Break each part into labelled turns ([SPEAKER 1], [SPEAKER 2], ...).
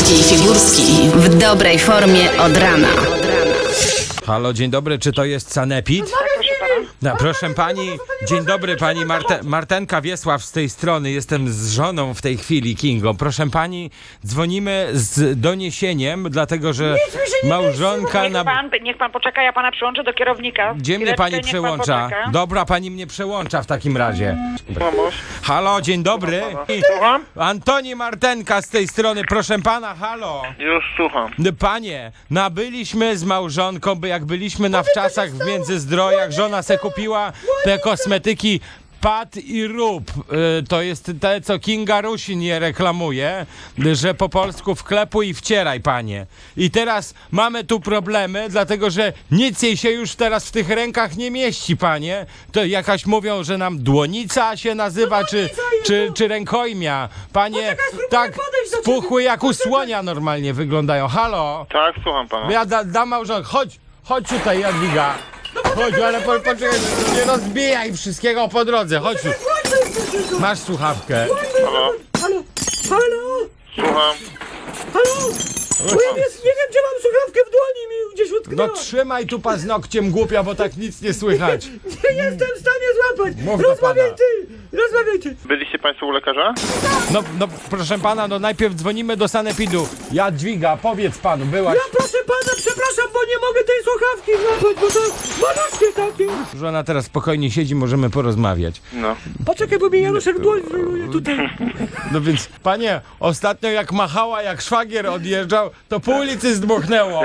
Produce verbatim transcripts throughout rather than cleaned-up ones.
[SPEAKER 1] Wojewódzki i Figurski w dobrej formie od rana.
[SPEAKER 2] Halo, dzień dobry, czy to jest Sanepid? No, proszę pani, dzień dobry, pani Marte, Martenka Wiesław z tej strony, jestem z żoną w tej chwili, Kingą. Proszę pani, dzwonimy z doniesieniem, dlatego że małżonka
[SPEAKER 3] Niech
[SPEAKER 2] na...
[SPEAKER 3] pan, niech pan poczeka, ja pana przyłączę do kierownika.
[SPEAKER 2] Gdzie mnie
[SPEAKER 3] Chwileczkę,
[SPEAKER 2] pani
[SPEAKER 3] niech pan
[SPEAKER 2] przełącza?
[SPEAKER 3] poczeka.
[SPEAKER 2] Dobra, pani mnie przełącza w takim razie.
[SPEAKER 4] Mamuś,
[SPEAKER 2] Halo, dzień dobry.
[SPEAKER 4] słucham?
[SPEAKER 2] Antoni Martenka z tej strony, proszę pana, halo.
[SPEAKER 4] Już słucham.
[SPEAKER 2] Panie, nabyliśmy z małżonką, by jak byliśmy na wczasach w Międzyzdrojach, żona se kupiła te kosmetyki Pat i Rób. Y, to jest te, co Kinga Rusin je reklamuje, że po polsku wklepuj i wcieraj, panie. I teraz mamy tu problemy, dlatego że nic jej się już teraz w tych rękach nie mieści, panie. To jakaś mówią, że nam dłonica się nazywa, czy, czy, czy rękojmia. Panie, tak spuchły jak u słonia normalnie wyglądają. Halo?
[SPEAKER 4] Tak, słucham pana.
[SPEAKER 2] Ja da, dam małżonkę. Chodź, chodź tutaj, Jadwiga. Chodź, ale po, poczekaj, nie rozbijaj wszystkiego po drodze. Chodź tu. Masz słuchawkę.
[SPEAKER 4] Halo?
[SPEAKER 5] Halo, halo,
[SPEAKER 4] Słucham.
[SPEAKER 5] halo! Bo ja nie, nie wiem, gdzie mam słuchawkę w dłoni, mi gdzieś
[SPEAKER 2] No
[SPEAKER 5] utknęła.
[SPEAKER 2] trzymaj tu paznokciem, głupia, bo tak nic nie słychać.
[SPEAKER 5] Nie jestem w stanie złapać.
[SPEAKER 2] Mów do
[SPEAKER 5] Rozmawiaj
[SPEAKER 2] pana.
[SPEAKER 5] ty, rozmawiaj ty.
[SPEAKER 4] Byliście państwo u lekarza?
[SPEAKER 2] No, no proszę pana, no najpierw dzwonimy do Sanepidu. Jadwiga, powiedz panu, byłaś...
[SPEAKER 5] Ja proszę pana, przepraszam, bo nie mogę tej słuchawki złapać, bo to maluszkie takie.
[SPEAKER 2] Żona teraz spokojnie siedzi, możemy porozmawiać.
[SPEAKER 4] No.
[SPEAKER 5] Poczekaj, bo mi Januszek dłoń wyjmuje tutaj.
[SPEAKER 2] No więc, panie, ostatnio jak machała, jak szwagier odjeżdżał, to pół ulicy zdmuchnęło.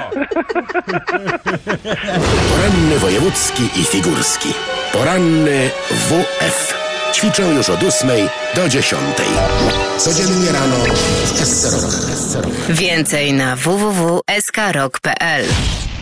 [SPEAKER 6] Poranny wojewódzki i figurski. Poranny W F. Ćwiczę już od ósmej do dziesiątej. Codziennie rano w S C R O K.
[SPEAKER 1] Więcej na w w w kropka s k rock kropka p l.